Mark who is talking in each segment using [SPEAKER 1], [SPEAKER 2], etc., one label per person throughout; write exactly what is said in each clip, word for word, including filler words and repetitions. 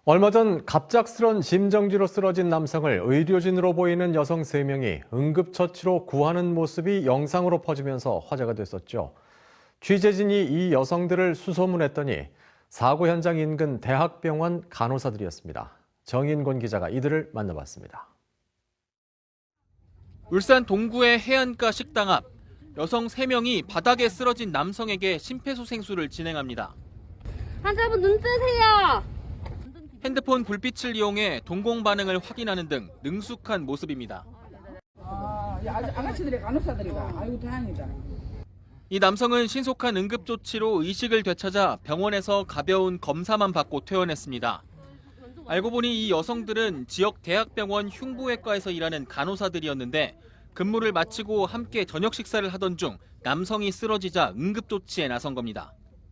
[SPEAKER 1] 얼마 전 갑작스런 심정지로 쓰러진 남성을 의료진으로 보이는 여성 세 명이 응급처치로 구하는 모습이 영상으로 퍼지면서 화제가 됐었죠. 취재진이 이 여성들을 수소문했더니 사고 현장 인근 대학병원 간호사들이었습니다. 정인곤 기자가 이들을 만나봤습니다.
[SPEAKER 2] 울산 동구의 해안가 식당 앞, 여성 세 명이 바닥에 쓰러진 남성에게 심폐소생술을 진행합니다.
[SPEAKER 3] 환자분 눈 뜨세요.
[SPEAKER 2] 핸드폰 불빛을 이용해 동공 반응을 확인하는 등 능숙한 모습입니다.
[SPEAKER 4] 아, 아가씨들이 간호사들이가. 아이고 다행이다.
[SPEAKER 2] 이 남성은 신속한 응급조치로 의식을 되찾아 병원에서 가벼운 검사만 받고 퇴원했습니다. 알고 보니 이 여성들은 지역 대학병원 흉부외과에서 일하는 간호사들이었는데 근무를 마치고 함께 저녁 식사를 하던 중 남성이 쓰러지자 응급조치에 나선 겁니다.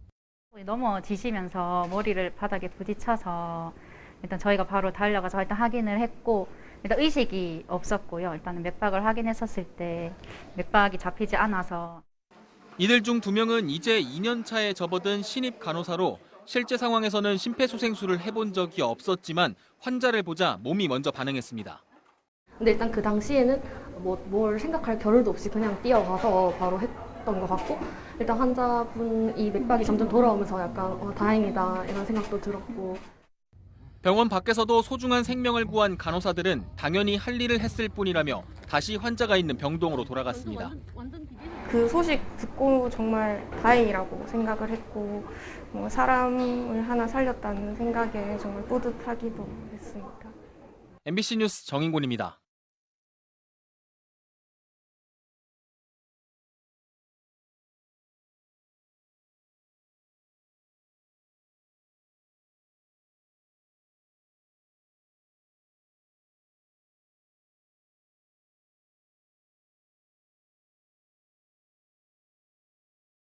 [SPEAKER 5] 넘어지시면서 머리를 바닥에 부딪혀서 일단 저희가 바로 달려가서 일단 확인을 했고 일단 의식이 없었고요. 일단은 맥박을 확인했었을 때 맥박이 잡히지 않아서.
[SPEAKER 2] 이들 중 두 명은 이제 이 년 차에 접어든 신입 간호사로 실제 상황에서는 심폐소생술을 해본 적이 없었지만 환자를 보자 몸이 먼저 반응했습니다.
[SPEAKER 3] 근데 일단 그 당시에는 뭐 뭘 생각할 겨를도 없이 그냥 뛰어가서 바로 했던 것 같고 일단 환자분이 맥박이 점점 돌아오면서 약간 어, 다행이다 이런 생각도 들었고.
[SPEAKER 2] 병원 밖에서도 소중한 생명을 구한 간호사들은 당연히 할 일을 했을 뿐이라며 다시 환자가 있는 병동으로 돌아갔습니다.
[SPEAKER 6] 그 소식 듣고 정말 다행이라고 생각을 했고 뭐 사람을 하나 살렸다는 생각에 정말 뿌듯하기도 했습니다.
[SPEAKER 2] 엠비씨 뉴스 정인곤입니다.